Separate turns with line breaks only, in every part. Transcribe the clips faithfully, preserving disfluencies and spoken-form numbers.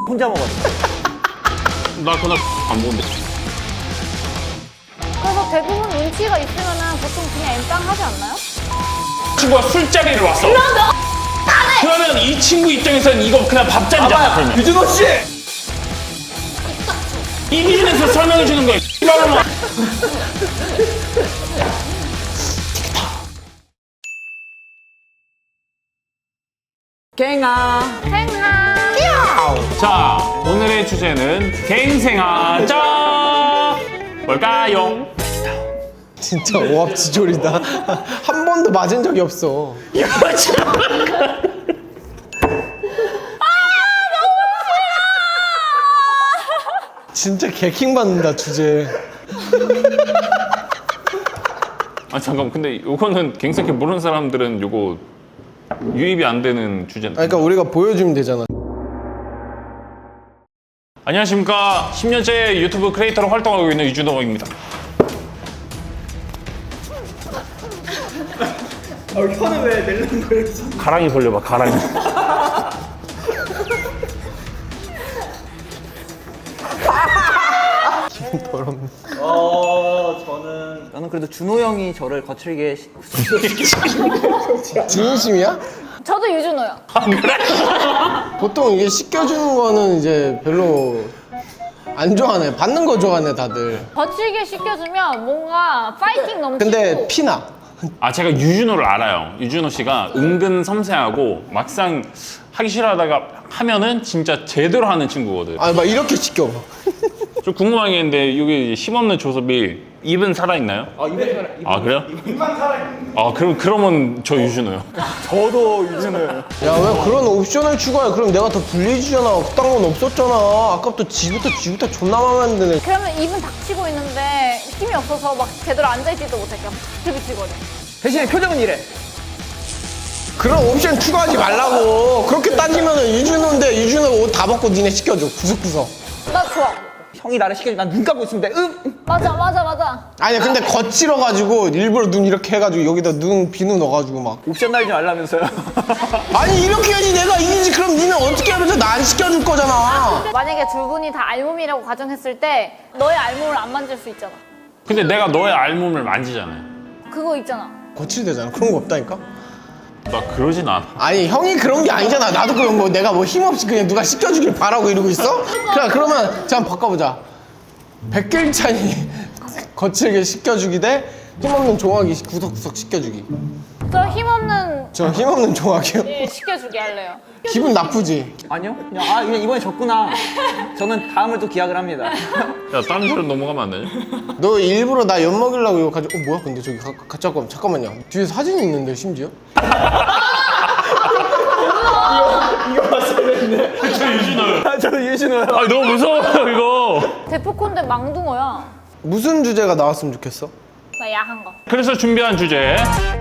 혼자 먹었어.
나 그날 안 먹는데.
그래서 대부분 눈치가 있으면은 보통 그냥 엠빵 하지 않나요?
친구가 술자리를 왔어. 그러면 이 친구 입장에서는 이거 그냥 밥잔이잖아. 그러면
유준호 씨!
이 비즈니스 설명해 주는 거야. 이러면
갱아.
생하.
자, 오늘의 주제는 갱생하자. 뭘까요?
진짜 오합지졸이다. 한 번도 맞은 적이 없어.
이거 참.
진짜 개킹 받는다 주제.
아 잠깐, 근데 이거는 갱생케 모르는 사람들은 이거 유입이 안 되는 주제인데.
아, 그러니까 우리가 보여주면 되잖아.
안녕하십니까. 십 년째 유튜브 크리에이터로 활동하고 있는 유준호입니다.
어, 혀는 왜 낼는 거예요?
가랑이 벌려봐, 가랑이.
더럽네.
어, 저는 저는 그래도 준호 형이 저를 거칠게 시...
진심이야?
저도 유준호요.
보통 이게 씻겨주는 거는 이제 별로 안 좋아하네. 받는 거 좋아하네 다들.
거칠게 시켜주면 뭔가 파이팅 넘치고.
근데 피나.
아, 제가 유준호를 알아요. 유준호 씨가 은근 섬세하고 막상 하기 싫어하다가 하면은 진짜 제대로 하는 친구거든.
아, 막 이렇게 시켜.
좀 궁금한 게 있는데 여기 힘없는 조섭이 입은 살아있나요?
아, 입에 살아.
아, 그래요? 입만 살아있는. 아, 그럼, 그러면 저 유준호요.
저도 유준호요.
야, 왜 그런 옵션을 추가해? 그럼 내가 더 불리해지잖아. 그딴 건 없었잖아. 아까부터 지부터 지부터 존나 마음에 안 드네.
그러면 입은 닥치고 있는데 힘이 없어서 막 제대로 앉아있지도 못할게요. 비비치거든.
대신에 표정은 이래.
그런 옵션 추가하지 말라고. 그렇게 따지면은 유준호인데 유준호가 옷 다 벗고 니네 시켜줘. 구석구석.
나 좋아.
형이 나를 시켜주면 난 눈 감고 있으면 돼. 응.
맞아, 맞아, 맞아.
아니야, 근데 거칠어가지고 일부러 눈 이렇게 해가지고 여기다 눈 비누 넣어가지고 막.
옵션 날지 말라면서요.
아니 이렇게 해야지 내가 이기지. 그럼 니는 어떻게 하면서 나 안 시켜줄 거잖아.
만약에 두 분이 다 알몸이라고 가정했을 때 너의 알몸을 안 만질 수 있잖아.
근데 내가 너의 알몸을 만지잖아요.
그거 있잖아.
거칠대잖아. 그런 거 없다니까.
나 그러진 않아.
아니 형이 그런 게 아니잖아. 나도 그럼 뭐 내가 뭐 힘없이 그냥 누가 시켜주길 바라고 이러고 있어? 그래, 그러면 자 한번 바꿔보자. 백길찬이 거칠게 시켜주기 대 힘없는 종아기 구석구석 시켜주기.
저 힘없는
저 힘없는 종아기요?
예, 시켜주게 할래요.
기분 나쁘지?
아니요. 그냥 아 그냥 이번에 졌구나. 저는 다음을 또 기약을 합니다.
야, 다른 소리 넘어가면 안 되냐?
너 일부러 나 엿먹이려고 이거 가지고 어 뭐야 근데 저기 가, 가, 잠깐, 잠깐만요. 뒤에 사진이 있는데 심지어?
저 유준호요.
아, 저도 유준호요.
아, 너무 무서워요, 이거.
대포콘데 망둥어야.
무슨 주제가 나왔으면 좋겠어?
나 야한 거.
그래서 준비한 주제.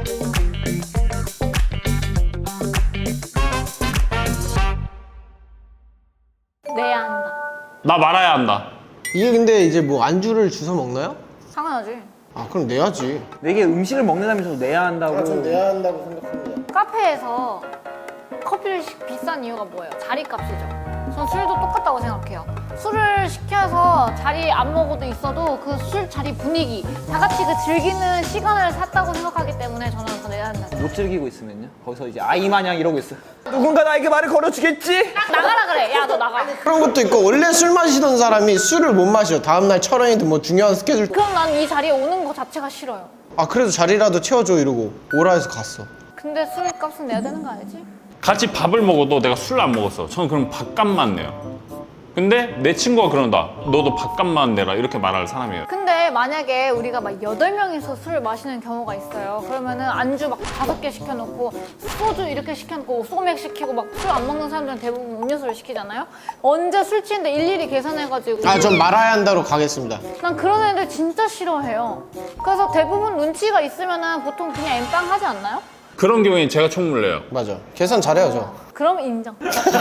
내야 한다.
나 말아야 한다.
이게 근데 이제 뭐 안주를 주워 먹나요?
당연하지.
아 그럼 내야지.
내게 음식을 먹는다면서 내야 한다고.
내야 한다고 생각합니다.
카페에서 커피를 시, 비싼 이유가 뭐예요? 자리값이죠. 전 술도 똑같다고 생각해요. 술을 시켜서 자리 안 먹어도 있어도 그 술 자리 분위기, 다 같이 그 즐기는 시간을 샀다고 생각하기 때문에 저는 그거 내야 한다.
못 즐기고 있으면요. 거기서 이제 아이 마냥 이러고 있어. 누군가 나에게 말을 걸어주겠지?
나가라 그래. 야, 너 나가.
그런 것도 있고 원래 술 마시던 사람이 술을 못 마셔. 다음날 촬영이든 뭐 중요한 스케줄.
그럼 난 이 자리에 오는 거 자체가 싫어요.
아 그래도 자리라도 채워줘 이러고 오라 해서 갔어.
근데 술값은 내야 되는 거 아니지?
같이 밥을 먹어도 내가 술을 안 먹었어. 저는 그럼 밥값만 내요. 근데 내 친구가 그런다. 너도 밥값만 내라. 이렇게 말할 사람이에요.
근데 만약에 우리가 막 여덟 명이서 술을 마시는 경우가 있어요. 그러면은 안주 막 다섯 개 시켜놓고 소주 이렇게 시켜놓고 소맥 시키고 막 술 안 먹는 사람들은 대부분 음료수를 시키잖아요. 언제 술 취했는데 일일이 계산해가지고.
아 전 말아야 한다로 가겠습니다.
난 그런 애들 진짜 싫어해요. 그래서 대부분 눈치가 있으면은 보통 그냥 엠빵 하지 않나요?
그런 경우엔 제가 총물 내요.
맞아. 계산 잘해야죠.
그럼 인정.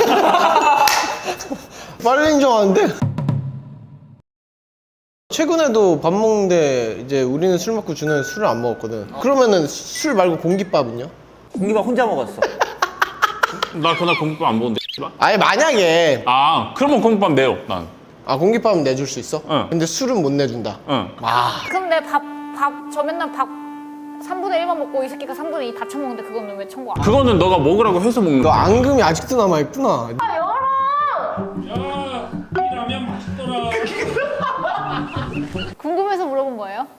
빨리 인정하는데. 최근에도 밥 먹는데 이제 우리는 술 먹고 주는 술을 안 먹었거든. 그러면은 술 말고 공깃밥은요?
공기밥 혼자 먹었어.
나 그날 공깃밥 안 먹는데 씨발.
아니 만약에
아 그러면 공깃밥 내요 난.
아 공깃밥은 내줄 수 있어?
응.
근데 술은 못 내준다.
응.
아
그럼 내 밥, 밥, 저 맨날 밥 삼분의 일만 먹고 이 새끼가 삼분의 이 다 처먹는데 그거는 왜 청구 안 해?
그거는 너가 먹으라고 해서 먹는
너
거야.
앙금이 아직도 남아있구나.
야, 이 라면 맛있더라.
궁금해서 물어본 거예요?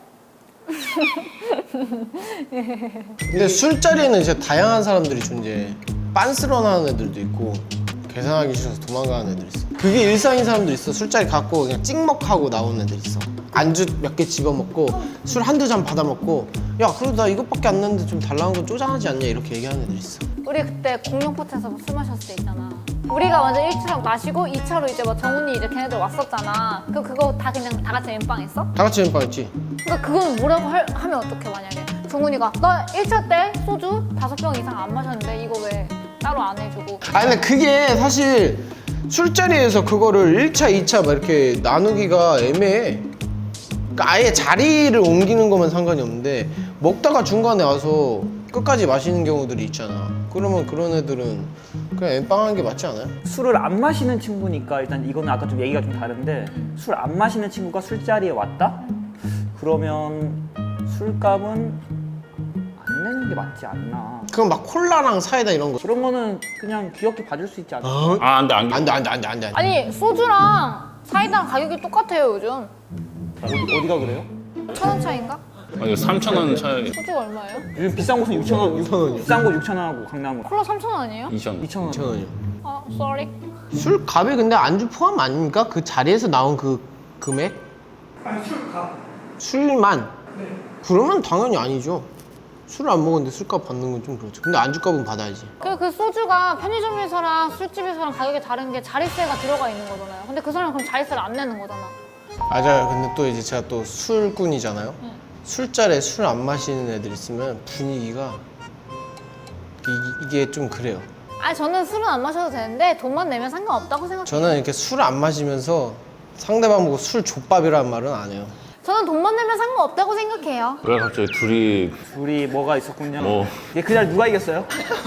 근데 술자리에는 진짜 다양한 사람들이 존재해. 빤스런하는 애들도 있고 계산하기 싫어서 도망가는 애들 있어. 그게 일상인 사람들 있어. 술자리 갖고 그냥 찍먹하고 나오는 애들 있어. 안주 몇 개 집어먹고 술 한두 잔 받아먹고 야 그래도 나 이것밖에 안 났는데 좀 달라는 건 쪼잔하지 않냐 이렇게 얘기하는 애들 있어.
우리 그때 공룡 포트에서 술 마셨을 때 있잖아. 우리가 먼저 일 차 마시고 이 차로 이제 막 정훈이 이제 걔네들 왔었잖아. 그 그거 다 그냥 다 같이 엠빵 했어?
다 같이 엠빵 했지?
그러니까 그건 뭐라고 할, 하면 어떡해 만약에 정훈이가 나 일 차 때 소주 다섯 병 이상 안 마셨는데 이거 왜 따로 안 해주고.
아니 근데 그게 사실 술자리에서 그거를 일 차, 이 차 막 이렇게 나누기가 애매해. 그러니까 아예 자리를 옮기는 거면 상관이 없는데 먹다가 중간에 와서 끝까지 마시는 경우들이 있잖아. 그러면 그런 애들은 그냥 엠빵하는 게 맞지 않아요?
술을 안 마시는 친구니까 일단 이거는 아까 좀 얘기가 좀 다른데 술 안 마시는 친구가 술자리에 왔다? 그러면 술값은 안 내는 게 맞지 않나.
그럼 막 콜라랑 사이다 이런 거.
그런 거는 그냥 귀엽게 봐줄 수 있지 않나.
아 안돼 안돼.
안 돼, 안 돼, 안 돼, 안 돼.
아니 소주랑 사이다랑 가격이 똑같아요 요즘.
어디, 어디가 그래요?
천 원 차인가?
아니 삼천 원 차이.
소주가 얼마예요?
요즘 비싼 곳은 육천 원,
육천 원이요.
비싼 곳 육천 원하고 강남은
콜라 삼천 원 아니에요?
이천 원.
이천 원.
이천 원이요.
아 sorry.
술값이 근데 안주 포함 아닙니까? 그 자리에서 나온 그 금액?
아니 술값.
술만? 그러면 당연히 아니죠. 술을 안 먹었는데 술값 받는 건 좀 그렇죠. 근데 안주값은 받아야지.
그, 그 소주가 편의점에서랑 술집에서랑 가격이 다른 게 자릿세가 들어가 있는 거잖아요. 근데 그 사람은 그럼 자릿세를 안 내는 거잖아.
맞아요. 근데 또 이제 제가 또 술꾼이잖아요. 술자리에 술 안 마시는 애들 있으면 분위기가 이, 이게 좀 그래요.
아 저는 술은 안 마셔도 되는데 돈만 내면 상관없다고 생각해요.
저는 이렇게 술 안 마시면서 상대방 보고 술 족밥이라는 말은 안 해요.
저는 돈만 내면 상관없다고 생각해요.
왜 갑자기 둘이
둘이 뭐가 있었군요.
뭐.
이게 그날 누가 이겼어요?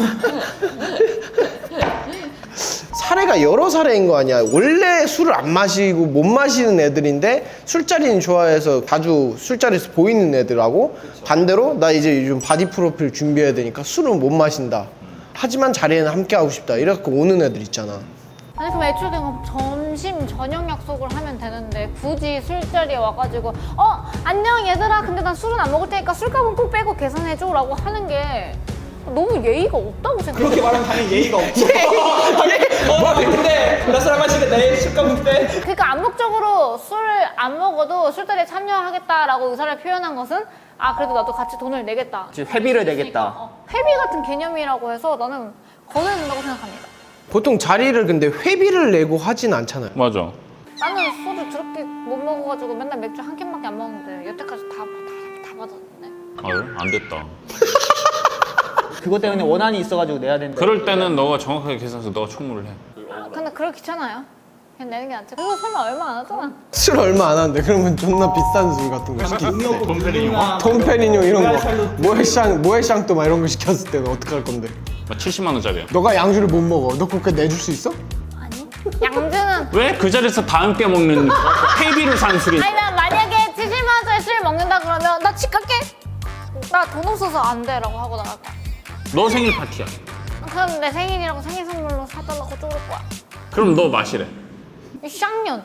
사례가 여러 사례인 거 아니야. 원래 술을 안 마시고 못 마시는 애들인데 술자리는 좋아해서 자주 술자리에서 보이는 애들하고 반대로 나 이제 요즘 바디 프로필 준비해야 되니까 술은 못 마신다. 하지만 자리에는 함께 하고 싶다. 이래갖고 오는 애들 있잖아.
아니 그럼 애초에 그냥 점심 저녁 약속을 하면 되는데 굳이 술자리에 와가지고 어 안녕 얘들아 근데 난 술은 안 먹을 테니까 술값은 꼭 빼고 계산해줘 라고 하는 게 너무 예의가 없다고 생각해요.
그렇게 말하면 당연히 예의가 없죠. 뭐라 그랬는데 나 술 안 마시게 내 술값은 빼.
그러니까 암묵적으로 술을 안 먹어도 술자리에 참여하겠다라고 의사를 표현한 것은 아 그래도 나도 같이 돈을 내겠다.
회비를 내겠다.
어, 회비 같은 개념이라고 해서 나는 거둬야 된다고 생각합니다.
보통 자리를 근데 회비를 내고 하진 않잖아요.
맞아.
나는 소주 저렇게 못 먹어가지고 맨날 맥주 한 캔밖에 안 먹는데 여태까지 다, 다, 다 받았는데.
아유 안 됐다.
그것 때문에 원한이 있어가지고 내야 된다.
그럴 때는 너가 정확하게 계산해서 너가 총무를 해.
근데 그걸 귀찮아요. 그냥 내는 게 낫지. 그리고 설마 얼마 안 하잖아.
술 얼마 안 하는데 그러면 존나 비싼 술 같은 거 시킬 때.
돈페리뇽?
톰페리뇽 이런 거 모에샹 모에샹또 막 이런 거 시켰을 때는 어떡할 건데?
막 칠십만 원짜리야.
너가 양주를 못 먹어. 너 그렇게 내줄 수 있어?
아니. 양주는.
왜 그 자리에서 다 함께 먹는 회비를 산 술이?
아니 나 만약에 칠십만 원짜리 술을 먹는다 그러면 나 집 갈게. 나 돈 없어서 안 돼라고 하고 나갈 거야.
너 생일 파티야.
그럼 내 생일이라고 생일 선물로 사달라고 쪼를 거야.
그럼 너 마시래.
이 쌍년.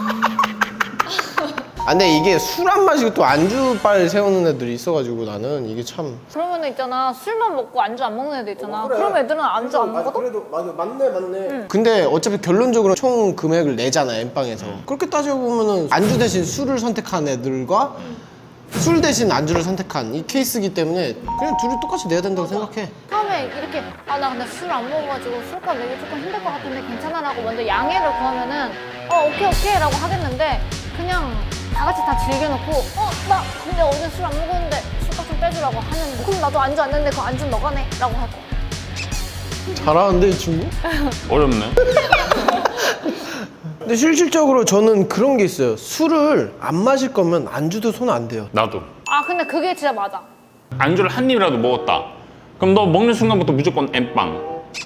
아 근데 이게 술 안 마시고 또 안주빨 세우는 애들이 있어가지고 나는 이게 참.
그러면 있잖아 술만 먹고 안주 안 먹는 애들 있잖아. 그럼 애들은 안주 안 먹어도?
그래도 맞아 맞네 맞네. 근데 어차피 결론적으로 총 금액을 내잖아 엠빵에서. 그렇게 따져보면은 안주 대신 술을 선택한 애들과 술 대신 안주를 선택한 이 케이스이기 때문에 그냥 둘이 똑같이 내야 된다고 생각해.
처음에 이렇게 아 나 근데 술 안 먹어가지고 술값 내기 조금 힘들 것 같은데 괜찮아라고 먼저 양해를 구하면은 어 오케이 오케이 라고 하겠는데 그냥 다 같이 다 즐겨놓고 어 나 근데 어제 술 안 먹었는데 술값 좀 빼주라고 하면 그럼 나도 안주 안 냈는데 그 안주는 너가 내 라고 할 거야.
잘하는데 이 친구?
어렵네.
근데 실질적으로 저는 그런 게 있어요. 술을 안 마실 거면 안주도 손 안 대요.
나도.
아 근데 그게 진짜 맞아.
안주를 한 입이라도 먹었다. 그럼 너 먹는 순간부터 무조건 엠빵.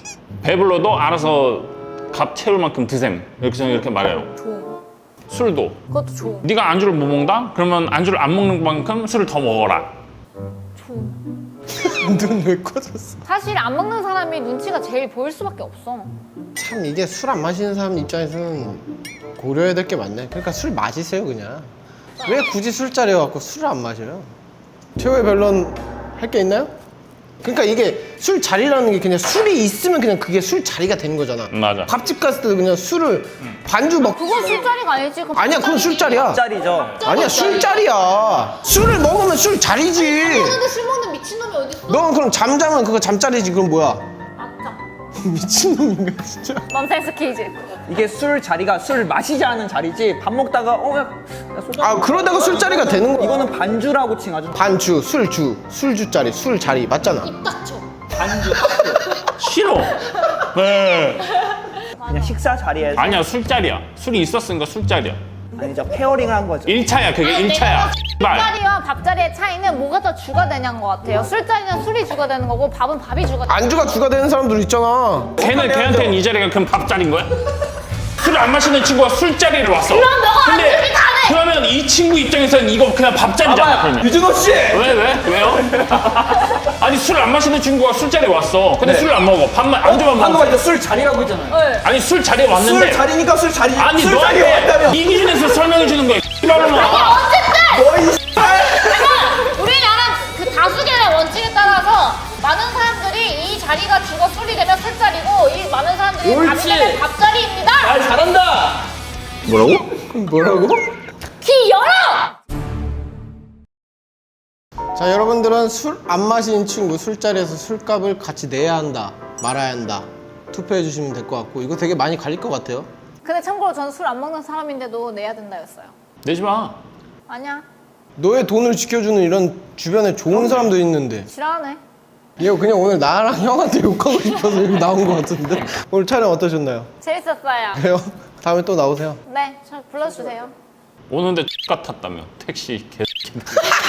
배불러도 알아서 밥 채울 만큼 드셈. 이렇게 저는 이렇게 말해요.
좋은.
술도.
그것도 좋은.
네가 안주를 못 먹는다? 그러면 안주를 안 먹는 만큼 술을 더 먹어라.
좋은.
눈 왜 꺼졌어?
사실 안 먹는 사람이 눈치가 제일 보일 수밖에 없어.
참 이게 술 안 마시는 사람 입장에서는 고려해야 될 게 많네. 그러니까 술 마시세요 그냥. 왜 굳이 술자리에 갖고 술을 안 마셔요? 최후의 변론 할 게 있나요? 그러니까 이게 술 자리라는 게 그냥 술이 있으면 그냥 그게 술 자리가 되는 거잖아.
맞아.
밥집 갔을 때도 그냥 술을 반주 먹.
그건 술자리가 아니지. 그건
아니야 그건 술자리야.
짤이죠.
아니야 술자리야. 술을 먹으면 술 자리지.
근데 술 먹는 미친놈이 어딨어?
넌 그럼 잠자면 그거 잠자리지. 그럼 뭐야?
맞죠.
미친놈인가 진짜.
넌센스 퀴즈.
이게 술 자리가 술 마시지 않은 자리지. 밥 먹다가 어, 야, 야 소주.
아 그러다가 술자리가 되는 거야.
이거는 반주라고 칭하죠.
반주, 술주, 술주자리, 술자리 맞잖아.
입 닥쳐.
반주.
싫어. 네.
그냥 식사 자리에서
아니야 술자리야. 술이 있었으니까 술자리야.
아니죠. 페어링을 한 거죠.
일 차야 그게 일 차야. 말.
술자리와 밥자리의 차이는 뭐가 더 주가 되냐는 것 같아요. 술자리는 술이 주가 되는 거고 밥은 밥이 주가 되는
안주가 주가 되는 사람들 있잖아.
걔는 걔한테는 이 자리가 그럼 밥자리인 거야? 술을 안 마시는 친구가 술자리를 왔어.
그럼 너가
근데
안주를 다 내!
그러면 이 친구 입장에서는 이거 그냥 밥자리잖아. 그러면.
유준호 씨.
왜 왜? 왜요? 아니 술 안 마시는 친구가 술자리에 왔어. 근데 술을 안 먹어. 밥만 안주만
방금
먹어.
말술 자리라고 했잖아요.
네.
아니 술 자리에 왔는데.
술 자리니까 술 자리.
아니
술 자리에
너한테
왔다며.
이 기준에서 설명해 주는 거야. 이발로만.
너이
우리나라 그 다수결의 원칙에 따라서 많은 사람들이 이 자리가 주가 술이 되면 술자리고 이 많은 사람들이 밥이
옳지.
되면 밥자리입니다.
말 잘한다.
뭐라고? 뭐라고?
귀 열어!
자 여러분들은 술 안 마시는 친구 술자리에서 술값을 같이 내야 한다 말아야 한다 투표해 주시면 될 것 같고 이거 되게 많이 갈릴 것 같아요.
근데 참고로 저는 술 안 먹는 사람인데도 내야 된다였어요.
내지 마.
아니야.
너의 돈을 지켜주는 이런 주변에 좋은 사람도 있는데
싫어하네.
얘 그냥 오늘 나랑 형한테 욕하고 싶어서 여기 나온 것 같은데 오늘 촬영 어떠셨나요?
재밌었어요.
그래요? 다음에 또 나오세요.
네, 저 불러주세요.
오는데 X 같았다며 택시 개.